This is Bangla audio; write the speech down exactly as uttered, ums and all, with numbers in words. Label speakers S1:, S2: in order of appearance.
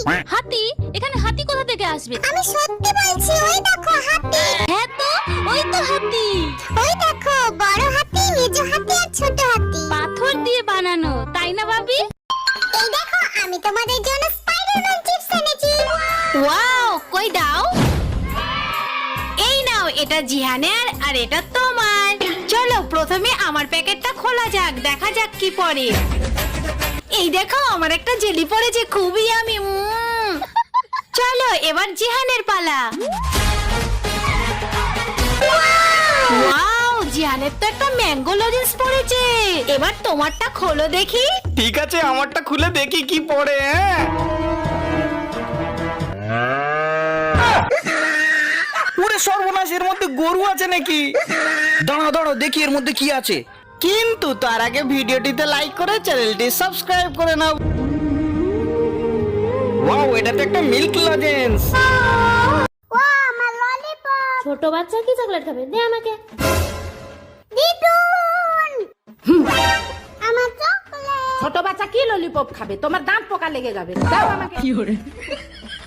S1: হাতি? এখানে হাতি কোথা থেকে আসবে?
S2: আমি সত্যি বলছি, ওই দেখো হাতি।
S1: হ্যাঁ তো, ওই তো হাতি।
S2: ওই দেখো বড় হাতি, মেজো হাতি আর ছোট হাতি।
S1: পাথর দিয়ে বানানো, তাই না ভাবি?
S2: এই দেখো আমি তোমাদের জন্য স্পাইডারম্যান চিপস এনেছি।
S3: ওয়াও, কই দাও। এই নাও, এটা জিহানের আর এটা তোমার। চলো প্রথমে আমার প্যাকেটটা খোলা যাক, দেখা যাক কি পড়ে। এই দেখো আমার একটা জেলি পড়েছে, খুবই আমি। চলো এবার জিহানের পালা। ওয়াও, জিহানের তো একটা ম্যাঙ্গো লজেন্স পড়েছে। এবার তোমারটা খোলো দেখি।
S4: ঠিক আছে, আমারটা খুলে দেখি কি পড়ে। হ্যাঁ, ওরে সর্বনাশ, এর মধ্যে গরু আছে নাকি? দাঁড়াও দাঁড়াও, দেখি এর মধ্যে কি আছে। কিন্তু তার আগে ভিডিওটিতে লাইক করে চ্যানেলটি সাবস্ক্রাইব করে নাও। ওয়াও, এটা তো একটা মিল্ক লজেন্স।
S2: ও আমার ললিপপ।
S1: ছোট বাচ্চা কি চকলেট খাবে? দে আমাকে।
S2: দিদুন আমার চকলেট।
S5: ছোট বাচ্চা কি ললিপপ খাবে? তোমার দাঁত পোকা লেগে যাবে। দাও আমাকে।